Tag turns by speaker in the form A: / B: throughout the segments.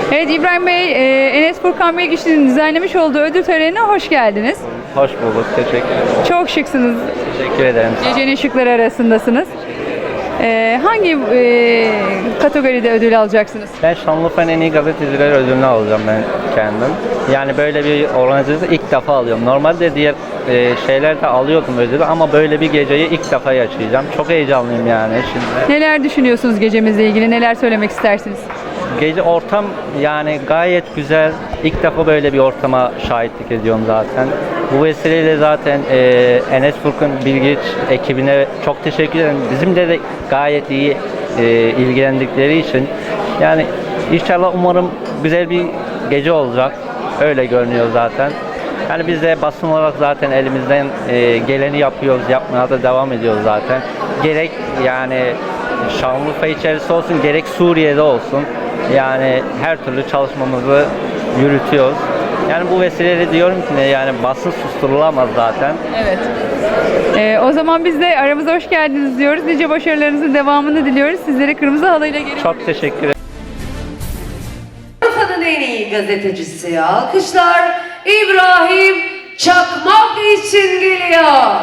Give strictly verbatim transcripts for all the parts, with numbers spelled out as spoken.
A: Evet İbrahim Bey, e, Enes Furkan Bilgiç'in düzenlemiş olduğu ödül törenine hoş geldiniz.
B: Hoş bulduk, teşekkür ederim.
A: Çok şıksınız.
B: Teşekkür ederim.
A: Gecenin şıkları arasındasınız. E, hangi e, kategoride ödül alacaksınız?
B: Ben Şanlıurfa'nın en iyi gazeteciler ödülünü alacağım ben kendim. Yani böyle bir organizasyonu ilk defa alıyorum. Normalde diğer e, şeylerde alıyordum ödülü ama böyle bir geceyi ilk defa yaşayacağım. Çok heyecanlıyım yani şimdi.
A: Neler düşünüyorsunuz gecemizle ilgili? Neler söylemek istersiniz?
B: Gece ortam yani gayet güzel. İlk defa böyle bir ortama şahitlik ediyorum zaten. Bu vesileyle zaten e, Enes Furkan Bilgiç ekibine çok teşekkür ederim. Bizimle de gayet iyi e, ilgilendikleri için. Yani inşallah umarım güzel bir gece olacak. Öyle görünüyor zaten. Yani biz de basın olarak zaten elimizden e, geleni yapıyoruz, yapmaya da devam ediyoruz zaten. Gerek yani Şanlıurfa içerisi olsun, gerek Suriye'de olsun. Yani her türlü çalışmamızı yürütüyoruz. Yani bu vesileyle diyorum ki ne yani basın susturulamaz zaten.
A: Evet. E, o zaman biz de aramıza hoş geldiniz diyoruz. Nice başarılarınızın devamını diliyoruz. Sizlere kırmızı halıyla geri
B: Çok teşekkür ederim.
C: Avrupa'nın en iyi gazetecisi alkışlar İbrahim Çakmak için geliyor.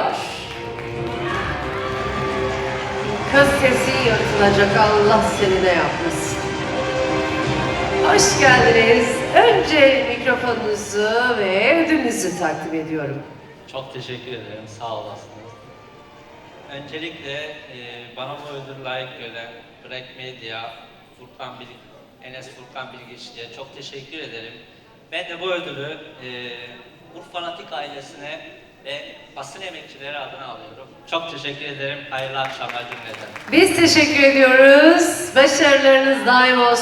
C: Kız sesi yırtılacak, Allah seni de yapmasın. Hoş geldiniz. Önce mikrofonunuzu ve ödülünüzü takdim ediyorum.
D: Çok teşekkür ederim, sağ olasınız. Öncelikle e, bana bu ödül layık gören Black Media, Furkan Bil Enes Furkan Bilgiç'e çok teşekkür ederim. Ben de bu ödülü e, Urfanatik ailesine ve basın emekçileri adına alıyorum. Çok teşekkür ederim, hayırlı akşamlar cümleten.
C: Biz teşekkür ediyoruz. Başarılarınız daim olsun.